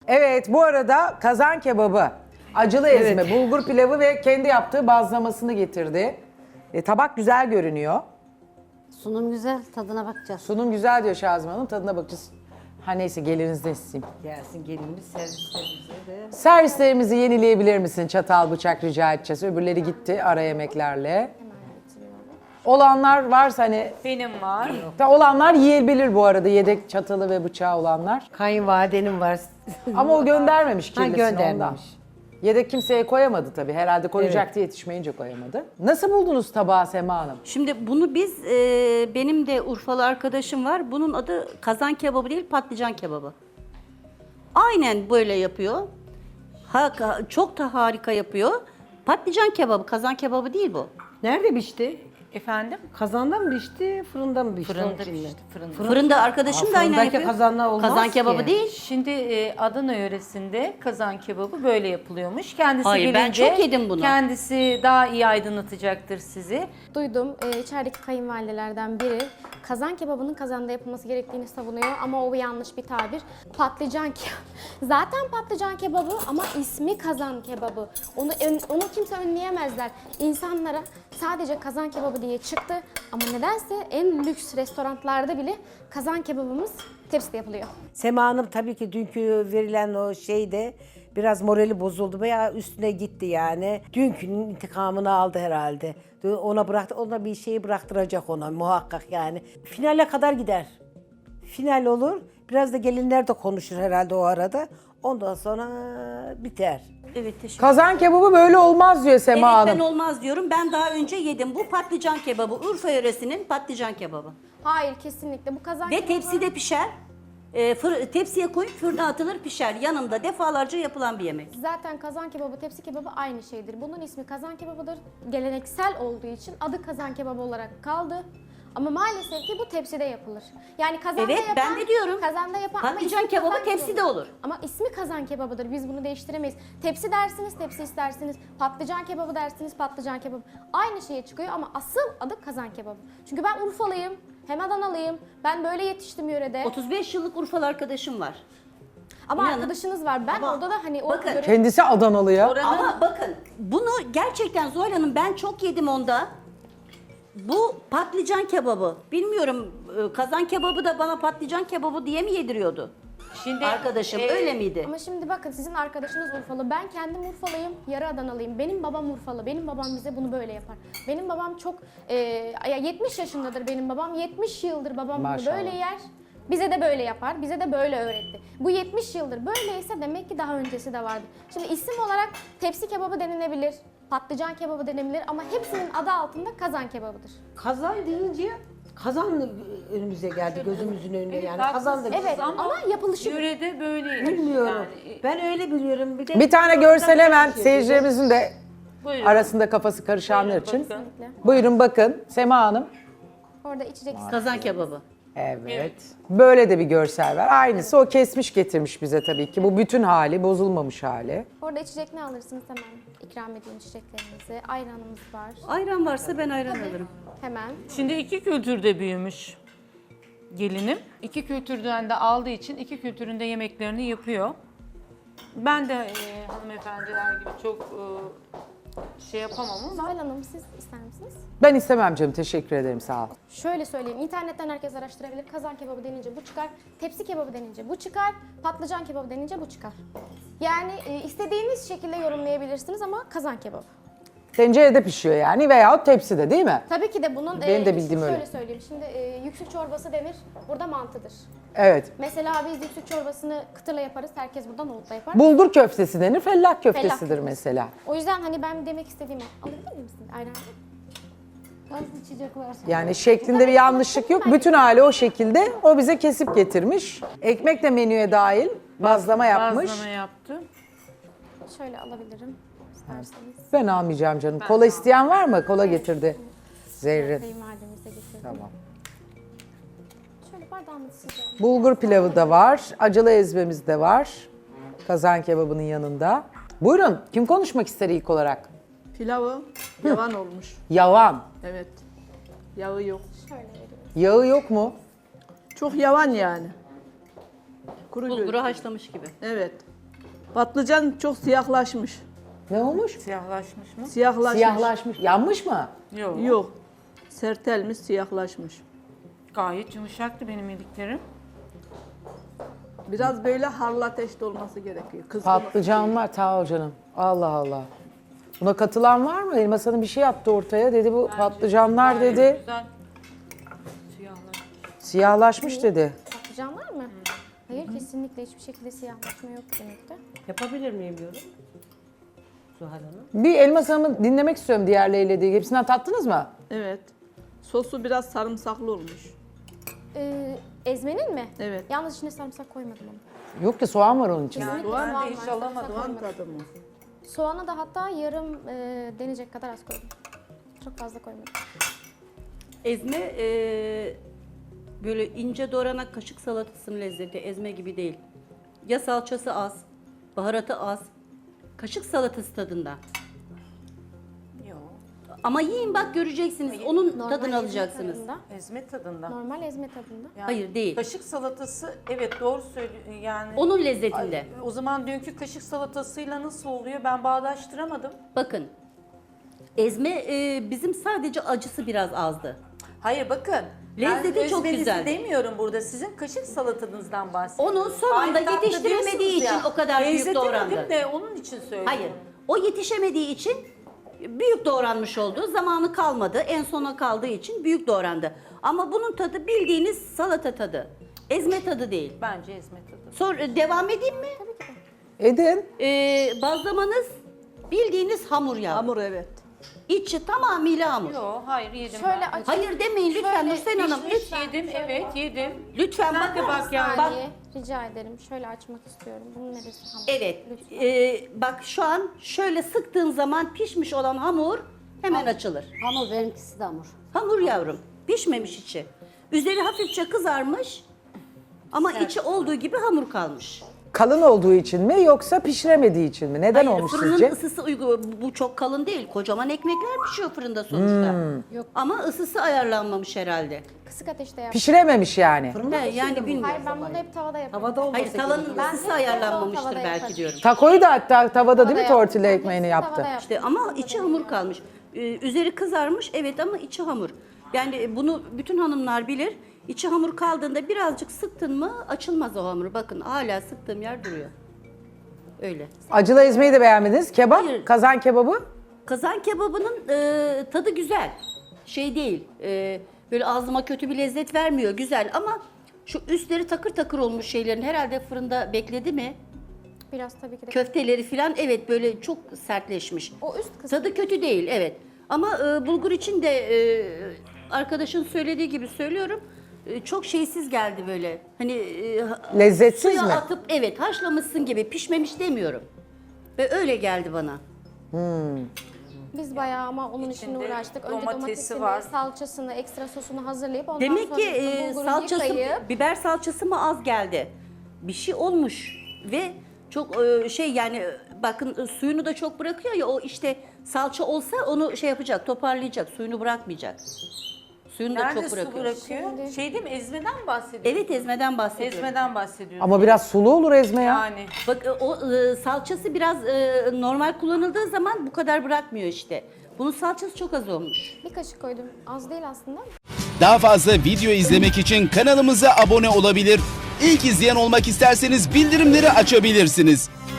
Evet, bu arada kazan kebabı, acılı ezme, bulgur pilavı ve kendi yaptığı bazlamasını getirdi. Tabak güzel görünüyor. Sunum güzel, tadına bakacağız. Sunum güzel diyor Şazım Hanım, tadına bakacağız. Ha neyse gelinizden isteyeyim. Gelsin gelinimiz servislerimize de. Servislerimizi yenileyebilir misin? Çatal, bıçak rica edeceğiz. Öbürleri gitti ara yemeklerle. Olanlar varsa hani... Benim var. Olanlar yiyebilir bu arada, yedek çatalı ve bıçağı olanlar. Kayınvalidenim var. Ama o göndermemiş Ha, kirlisini ondan. göndermemiş. Yedek kimseye koyamadı tabii. Herhalde koyacaktı, yetişmeyince koyamadı. Nasıl buldunuz tabağı Sema Hanım? Şimdi bunu biz, benim de Urfalı arkadaşım var. Bunun adı kazan kebabı değil, patlıcan kebabı. Aynen böyle yapıyor. Çok da harika yapıyor. Patlıcan kebabı, kazan kebabı değil bu. Nerede pişti? Efendim? Kazanda mı pişti, fırında mı pişti? Fırında Onun için mi? pişti. Fırında. Fırında arkadaşım da aynen fırındaki yapıyor. kazanla olmaz Kazan ki. kebabı değil. Şimdi Adana yöresinde kazan kebabı böyle yapılıyormuş. Kendisi Hayır, ben gelince çok yedim bunu. kendisi daha iyi aydınlatacaktır sizi. Duydum. İçerideki kayınvalidelerden biri kazan kebabının kazanda yapılması gerektiğini savunuyor ama o yanlış bir tabir. Patlıcan zaten patlıcan kebabı ama ismi kazan kebabı. Onu kimse önleyemezler. İnsanlara sadece kazan kebabı diye çıktı ama nedense en lüks restoranlarda bile kazan kebabımız tepside yapılıyor. Sema Hanım tabii ki dünkü verilen o şeyde biraz morali bozuldu veya üstüne gitti yani. Dünkünün intikamını aldı herhalde. Ona bıraktı, ona bir şeyi bıraktıracak ona muhakkak yani. Finale kadar gider. Final olur. Biraz da gelinler de konuşur herhalde o arada. Ondan sonra biter. Evet, teşekkür Kazan kebabı böyle olmaz diyor Sema Evet, Hanım. ben olmaz diyorum. Ben daha önce yedim. Bu patlıcan kebabı. Urfa yöresinin patlıcan kebabı. Hayır, kesinlikle bu kazan Ve kebabı... tepside pişer. Tepsiye koyup fırına atılır, pişer. Yanında defalarca yapılan bir yemek. Zaten kazan kebabı, tepsi kebabı aynı şeydir. Bunun ismi kazan kebabıdır. Geleneksel olduğu için adı kazan kebabı olarak kaldı. Ama maalesef ki bu tepside yapılır. Yani kazanda Evet, yapan, ben de diyorum. Kazanda yapan ama Patlıcan ismi kebabı kazan tepside kebabı. olur. Ama ismi kazan kebabıdır. Biz bunu değiştiremeyiz. Tepsi dersiniz, tepsi istersiniz. Patlıcan kebabı dersiniz, patlıcan kebabı. Aynı şeye çıkıyor ama asıl adı kazan kebabı. Çünkü ben Urfalıyım, hem Adanalıyım. Ben böyle yetiştim yörede. 35 yıllık Urfalı arkadaşım var. Ama İnanın. arkadaşınız var. Ben Ama orada da hani o bakın, Kendisi Adanalı ya. Ama bakın, bunu gerçekten Zuhal Hanım, ben çok yedim onda. Bu patlıcan kebabı. Bilmiyorum, kazan kebabı da bana patlıcan kebabı diye mi yediriyordu? Şimdi Arkadaşım öyle miydi? Ama şimdi bakın, sizin arkadaşınız Urfalı. Ben kendim Urfalıyım, yarı Adanalıyım. Benim babam Urfalı. Benim babam bize bunu böyle yapar. Benim babam çok 70 yaşındadır benim babam. 70 yıldır babam bunu Maşallah. böyle yer. Bize de böyle yapar. Bize de böyle öğretti. Bu 70 yıldır böyleyse demek ki daha öncesi de vardı. Şimdi isim olarak tepsi kebabı denilebilir. Patlıcan kebabı denilebilir ama hepsinin adı altında kazan kebabıdır. Kazan deyince kazan önümüze geldi, gözümüzün önüne yani. Kazan da Evet ama yapılışı yörede böyleymiş. bilmiyorum. Yani, Ben öyle biliyorum. Bir tane görsel hemen seyircilerimizin de buyurun. arasında kafası karışanlar Buyurun, için. bakın. Buyurun bakın Sema Hanım. orada içeceksiniz. Kazan kebabı. Evet. Böyle de bir görsel var. Aynısı o kesmiş getirmiş bize tabii ki. Bu bütün hali, bozulmamış hali. Orada içecek ne alırsınız hemen ikram edeyim içeceklerinizi. Ayranımız var. Ayran varsa ben ayran alırım. Hemen. Şimdi iki kültürde büyümüş gelinim. İki kültürden de aldığı için iki kültüründe yemeklerini yapıyor. Ben de hanımefendiler gibi çok şey yapamam ama Zuhal Hanım, siz ister misiniz? Ben istemem canım. Teşekkür ederim. Sağ ol. Şöyle söyleyeyim, internetten herkes araştırabilir. Kazan kebabı denince bu çıkar, tepsi kebabı denince bu çıkar, patlıcan kebabı denince bu çıkar. Yani istediğiniz şekilde yorumlayabilirsiniz ama kazan kebabı. Tencerede pişiyor yani veyahut tepside değil mi? Tabii ki de bunun Benim de bildiğim şöyle öyle. söyleyeyim. Şimdi yüksük çorbası denir, burada mantıdır. Evet. Mesela biz yüksük çorbasını kıtırla yaparız, herkes burada nohutla yapar. Bulgur köftesi denir, fellah köftesidir köftesi. mesela. O yüzden hani ben demek istediğimi alabilir misin? Ayran. Az içecek varsa. Yani şeklinde bir yanlışlık yok. Bütün hali o şekilde. O bize kesip getirmiş. Ekmek de menüye dahil. Bazlama yapmış. bazlama yaptı. Şöyle alabilirim isterseniz. Ben almayacağım canım. Kola isteyen var mı? Kola getirdi. Zerrin. Kayınvalidemize getirdim. Tamam. Şöyle bardağımı sıcağım. Bulgur pilavı da var. Acılı ezmemiz de var. Kazan kebabının yanında. Buyurun. Kim konuşmak ister ilk olarak? Pilavı yavan olmuş. Yavan. Evet. Yağı yok. Şöyle veriyorum. Yağı yok mu? Çok yavan yani. Kuru Bulguru göz. haşlamış gibi. Evet. Patlıcan çok siyahlaşmış. Ne olmuş? Siyahlaşmış mı? Siyahlaşmış. Siyahlaşmış. Yanmış mı? Yok. Yok. Sertelmiş, siyahlaşmış. Gayet yumuşaktı benim yediklerim. Biraz böyle harlı ateşte olması gerekiyor. Kızgın. Patlıcanlar sağ ol canım. Allah Allah. Buna katılan var mı? Elmas Hanım bir şey yaptı ortaya. Dedi bu patlıcanlar Gayet dedi. Güzel. Siyahlaşmış. Siyahlaşmış dedi. Patlıcan var mı? Hayır, kesinlikle hiçbir şekilde siyahlaşma yok yemekte. Yapabilir miyim yorum? Zuhal Hanım. Bir Elmas Hanım'ı dinlemek istiyorum diğerleriyle ilgili. Hepsinden tattınız mı? Evet. Sosu biraz sarımsaklı olmuş. Ezmenin mi? Evet. Yalnız içine sarımsak koymadım ama. Yok ki soğan var onun içinde. Kesinlikle Soğan soğan da var, hiç sarımsak alamadım. Soğan koymadım. tadı mı? Soğana da hatta yarım denecek kadar az koydum. Çok fazla koymadım. Ezme böyle ince doğranan kaşık salatasının lezzeti ezme gibi değil. Ya salçası az, baharatı az. Kaşık salatası tadında. Yok. Ama yiyin bak göreceksiniz. Onun Normal tadını ezme alacaksınız. tadında. Ezme tadında. Normal ezme tadında. Yani Hayır, değil. Kaşık salatası evet doğru söylüyor yani. Onun lezzetinde. O zaman dünkü kaşık salatasıyla nasıl oluyor ben bağdaştıramadım. Bakın. Ezme bizim sadece acısı biraz azdı. Hayır bakın. Lezzeti ben çok özmenizi güzeldi. demiyorum burada. Sizin kaşık salatanızdan bahsediyorum. Onu son anda Aynı tatlı yetiştiremediği diyorsunuz için ya. o kadar büyük Benzetemedim doğrandı. de onun için söylüyorum. Hayır. O yetişemediği için büyük doğranmış oldu. Zamanı kalmadı. En sona kaldığı için büyük doğrandı. Ama bunun tadı bildiğiniz salata tadı. Ezme tadı değil. Bence ezme tadı. Sonra devam edeyim mi? Edin. Bazlamanız bildiğiniz hamur ya. Hamur evet. İçi tamamıyla hamur. Yok hayır yedim Şöyle ben. aç. Hayır demeyin lütfen Şöyle Nursel Hanım. Pişmiş yedim evet yedim. Lütfen Sen de bakar bak yani. Bak, Saniye, rica ederim. Şöyle açmak istiyorum. Bunun neresi hamur? evet. Lütfen. Bak şu an şöyle sıktığın zaman pişmiş olan hamur hemen açılır. Hamur benimkisi de hamur. Hamur yavrum. Pişmemiş içi. Üzeri hafifçe kızarmış ama içi olduğu gibi hamur kalmış. Kalın olduğu için mi yoksa pişiremediği için mi? Neden Hayır, olmuş fırının sizce? ısısı bu çok kalın değil. Kocaman ekmekler pişiyor fırında sonuçta. Yok. Ama ısısı ayarlanmamış herhalde. Kısık ateşte yap. Pişirememiş yani. Yani bilmiyorum. Hayır, ben bunu hep tavada yapıyorum. Havada olması Hayır tavanın Ben ısısı hep ayarlanmamıştır tavada belki yaparım. diyorum. Takoyu da hatta tavada değil mi Tavada tortilla yaptım. ekmeğini Hepsini yaptı? tavada yaptım. İşte ama içi hamur kalmış. Üzeri kızarmış evet ama içi hamur. Yani bunu bütün hanımlar bilir. İçi hamur kaldığında birazcık sıktın mı açılmaz o hamur. Bakın hala sıktığım yer duruyor. Öyle. Acılı ezmeyi de beğenmediniz. Kebap, Hayır. kazan kebabı. Kazan kebabının tadı güzel. Şey değil. Böyle ağzıma kötü bir lezzet vermiyor. Güzel ama şu üstleri takır takır olmuş şeylerin herhalde fırında bekledi mi? Biraz tabii ki de. Köfteleri falan evet böyle çok sertleşmiş. O üst kısmı. Tadı kötü değil evet. Ama bulgur için de arkadaşın söylediği gibi söylüyorum. Çok şeysiz geldi böyle. Hani Lezzetsiz suya mi? atıp evet haşlamışsın gibi pişmemiş demiyorum. Ve öyle geldi bana. Biz bayağı ama onun için İçinde uğraştık. Önce domatesi domatesini, var. salçasını, ekstra sosunu hazırlayıp ondan Demek sonra ki bulguru salçası, yıkayıp biber salçası mı az geldi? Bir şey olmuş ve çok şey yani bakın suyunu da çok bırakıyor ya o işte salça olsa onu şey yapacak toparlayacak suyunu bırakmayacak. Suyunu da Nerede çok su bırakıyor. bırakıyor? Şey değil mi ezmeden mi bahsediyorsun? Evet ezmeden bahsediyorum. Ezmeden bahsediyorsun. Ama biraz sulu olur ezme ya. Yani. Bak o salçası biraz normal kullanıldığı zaman bu kadar bırakmıyor işte. Bunun salçası çok az olmuş. bir kaşık koydum. Az değil aslında. Daha fazla video izlemek için kanalımıza abone olabilir. İlk izleyen olmak isterseniz bildirimleri açabilirsiniz.